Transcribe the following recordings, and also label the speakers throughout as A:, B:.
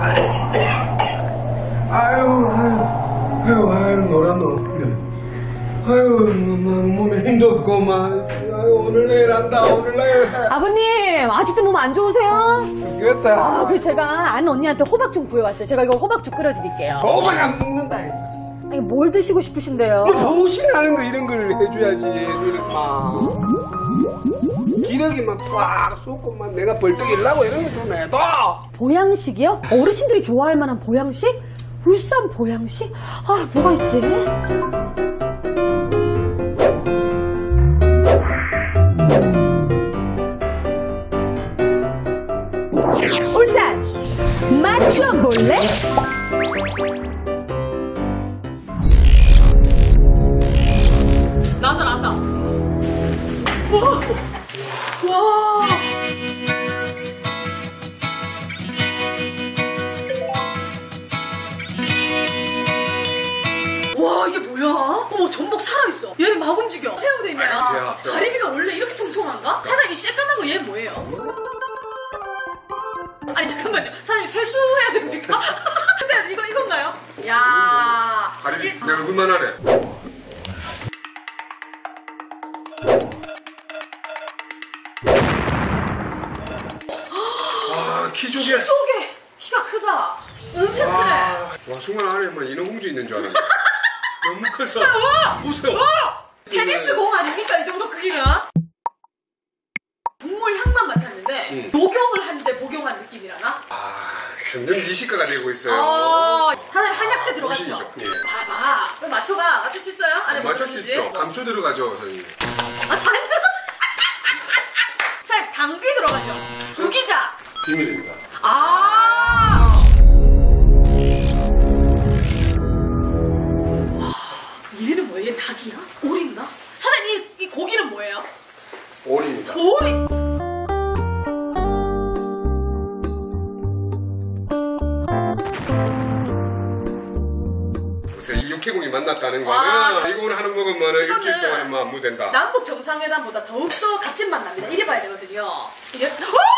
A: 아유, 노란노. 아유, 몸에 힘도 없고만. 아유, 오늘 내일 한다, 오늘 내일 해.
B: 아버님, 아직도 몸 안 좋으세요?
A: 죽겠다.
B: 그래서 제가 아는 언니한테 호박 좀 구해왔어요. 제가 이거 호박죽 끓여드릴게요.
A: 호박 안 먹는다.
B: 아니, 뭘 드시고 싶으신데요?
A: 보신하는 거 이런 걸 해줘야지. 이렇게 기러기만 팍 쏟고만 내가 벌떡 일라고 이런 거 좀 해도.
B: 보양식이요? 어르신들이 좋아할 만한 보양식? 울산 보양식? 아, 뭐가 있지? 울산 맞춰볼래? 나온다. 와. 와, 이게 뭐야? 어머, 전복 살아있어. 얘는 막 움직여. 새우도 있네. 가리비가 원래 이렇게 통통한가? 사장님, 새까만 거 얘 뭐예요? 아니, 잠깐만요. 사장님, 세수해야 됩니까? 근데 이건가요? 야,
A: 가리비 내 얼굴만 하래. 와, 키조개. 키가 크다. 엄청 크네. 와, 순간 안에 뭐 인어공주 있는 줄 알았네. 너무 커서. 보세요.
B: 테니스 공 아닙니까? 이 정도 크기가? 국물 향만 맡았는데 복용을 하는데 복용한 느낌이라나?
A: 아, 점점 미식가가 되고 있어요.
B: 사장님 한약재 들어갔죠?
A: 보시죠. 예.
B: 봐봐. 그럼 맞춰봐. 맞출 수 있어요? 안에
A: 맞출 수 있죠. 감초 들어가죠, 선생님.
B: 아, 다 들어가. 사장님, 당귀 들어가죠? 조기자.
A: 비밀입니다.
B: 얘는 뭐야? 얘 닭이야? 오리인가? 사장님, 이 고기는 뭐예요?
A: 오리입니다.
B: 오리!
A: 글쎄, 이 육해공이 만났다는 거는 이거를 하는 먹으면 일주일 동안 뭐 안무 된다.
B: 남북 정상회담보다 더욱더 값진 맛 납니다. 이래 봐야 되거든요. 이게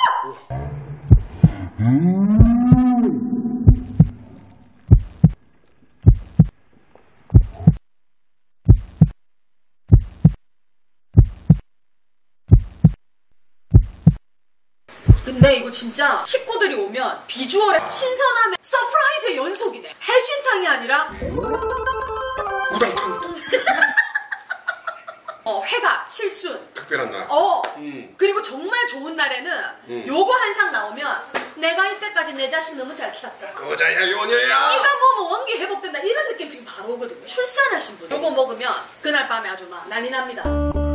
B: 근데 이거 진짜 식구들이 오면 비주얼에 신선함에 서프라이즈 연속이네. 해신탕이 아니라
A: 우당탕.
B: 회가 실순.
A: 특별한 날.
B: 그리고 정말 좋은 날에는 요거 한 상 나오면 내가 이때까지 내 자신 너무 잘 키웠다.
A: 거자야 요녀야.
B: 이가 뭐 원기 회복된다 이런 느낌 지금 바로 오거든요. 출산하신 분 요거 먹으면 그날 밤에 아주 막 난리 납니다.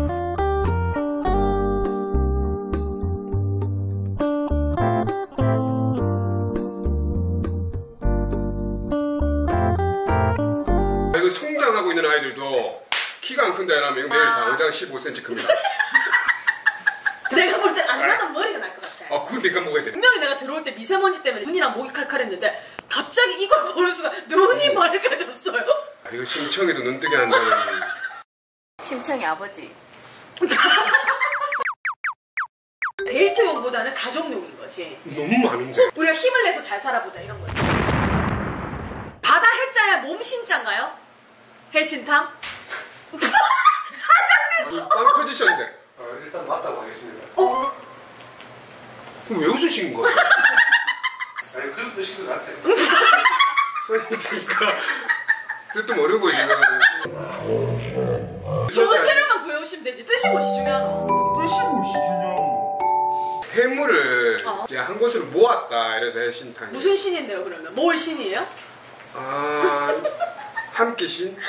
A: 이거 성장하고 있는 아이들도 키가 안 큰다 이러면 내일 당장 15cm 큽니다.
B: 내가 볼 때 안 나면 머리가 날 것 같아.
A: 그건 내가 먹어야 돼.
B: 분명히 내가 들어올 때 미세먼지 때문에 눈이랑 목이 칼칼했는데 갑자기 이걸 보는 순간 눈이 맑아졌어요.
A: 이거 심청이도 눈뜨게 한다는.
B: 심청이 아버지. 데이트용보다는 가족용인 거지.
A: 너무 많은데.
B: 우리가 힘을 내서 잘 살아보자 이런 거지. 바다 해자야 몸 신자인가요? 해신탕?
A: 사장님! 빵 터지셨는데. 일단 맞다고 하겠습니다. 그럼 왜 웃으신 거예요? 아니, 그런 뜻인 것 같아요. 선생님 듣니까 뜻도 모르고 지금.
B: 좋은 재료만 구해오시면 되지. 뜻이 무엇이 중요하노?
A: 해물을 이제 한 곳으로 모았다 이래서 해신탕.
B: 무슨 신인데요 그러면? 뭘 신이에요?
A: 함께 신?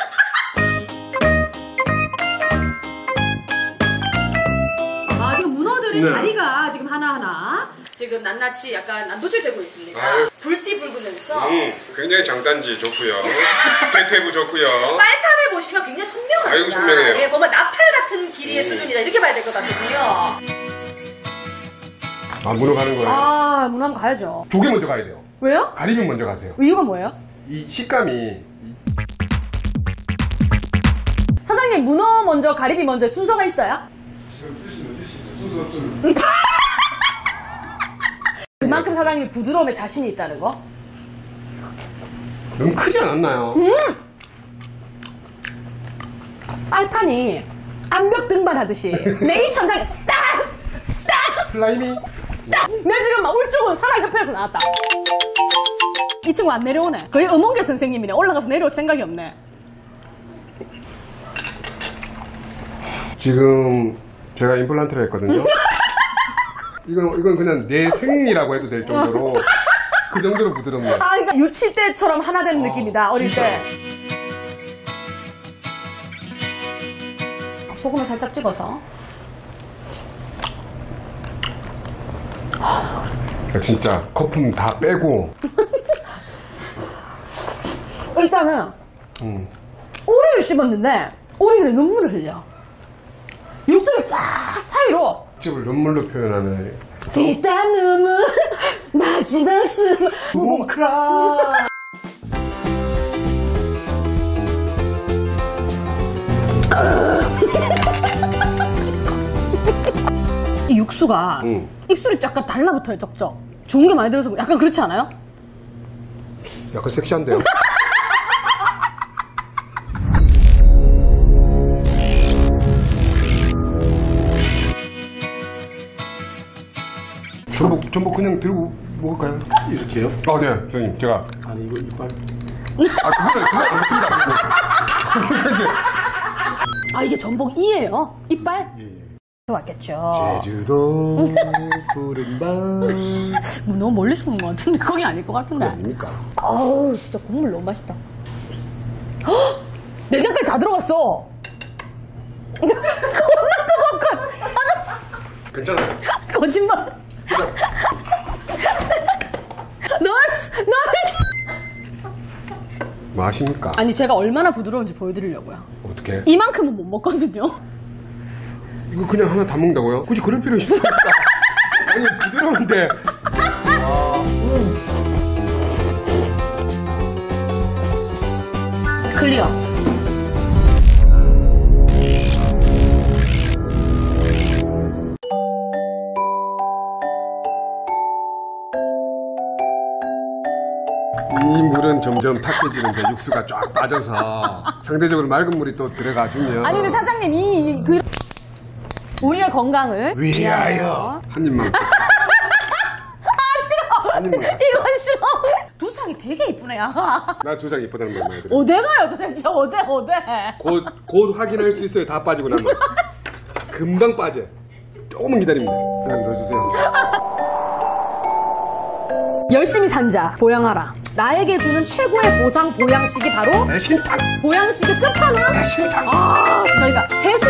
B: 지금 문어들의 다리가 지금 하나하나 지금 낱낱이 약간 난도질되고 있습니다. 불띠 붉으면서
A: 굉장히 장단지 좋고요. 대퇴부 좋고요.
B: 빨판을 보시면 굉장히 선명합니다.
A: 아이고 선명해요.
B: 예, 보면 나팔 같은 길이의 수준이다 이렇게 봐야 될 것 같거든요.
A: 문어 가는 거예요?
B: 문어 한번 가야죠.
A: 조개 먼저 가야 돼요.
B: 왜요?
A: 가리비 먼저 가세요.
B: 이유가 뭐예요?
A: 이 식감이.
B: 사장님 문어 먼저 가리비 먼저 순서가 있어요?
A: 지금 드시는 순서 없으면.
B: 그만큼 사장님이 부드러움에 자신이 있다는 거?
A: 너무 크지 않았나요?
C: 빨판이 암벽 등반하듯이 내 입 천장에 딱!
A: 플라이미.
C: 내 지금 막 울증은 산악협회에서 나왔다. 이 친구 안 내려오네. 거의 음원계 선생님이네. 올라가서 내려올 생각이 없네.
A: 지금 제가 임플란트를 했거든요. 이건 그냥 내 생이라고 해도 될 정도로 그 정도로 부드럽네요.
C: 아, 그러니까 유치 때처럼 하나 되는 느낌이다. 어릴
A: 진짜.
C: 때. 소금을 살짝 찍어서.
A: 진짜 거품 다 빼고.
C: 일단은 오리를 씹었는데 오리가 눈물을 흘려. 육수를 싹 사이로
A: 집을 눈물로 표현하는.
C: 뒷담 눈물 마지막 숨
A: 뭉클아.
C: 이 육수가 입술이 약간 달라붙어요. 쩍쩍. 좋은 게 많이 들어서 약간 그렇지 않아요?
A: 약간 섹시한데요? 전복 그냥 들고 먹을까요?
D: 이렇게요?
A: 아, 네, 선생님, 제가.
D: 아니 이거 이빨.
A: 그건 안 먹습니다.
C: 아, 이게 전복이에요? 이빨? 들어왔겠죠.
D: 제주도 푸른 밤.
C: 뭐 너무 멀리서 본 것 같은데 거기 아닐 것 같은데.
A: 아닙니까?
C: 아우, 진짜 국물 너무 맛있다. 헉! 내장까지 다 들어갔어. 겁나 뜨겁군.
A: 괜찮아요.
C: 거짓말. 너스!
A: 뭐 하십니까?
C: 아니, 제가 얼마나 부드러운지 보여드리려고요.
A: 어떻게?
C: 이만큼은 못 먹거든요.
A: 이거 그냥 하나 다 먹는다고요? 굳이 그럴 필요 있습니까? 아니, 부드러운데.
C: 클리어.
A: 이 물은 점점 탁해지는데 육수가 쫙 빠져서 상대적으로 맑은 물이 또 들어가주면.
C: 아니, 근데 사장님, 우리의 건강을
D: 위하여.
A: 한 입만.
C: 싫어.
A: 한 입만.
C: 이건 싫어. 두상이 되게 이쁘네.
A: 나 두 장 이쁘다는 말 많이 들어.
C: 어디가요 도대체? 어디?
A: 곧 확인할 수 있어요. 다 빠지고 나면. 금방 빠져. 조금만 기다립니다. 그냥 넣어주세요.
C: 열심히 산자 보양하라. 나에게 주는 최고의 보상 보양식이 바로
A: 내 신탁.
C: 보양식의 끝판왕.
A: 내 신탁.
C: 저희가 해수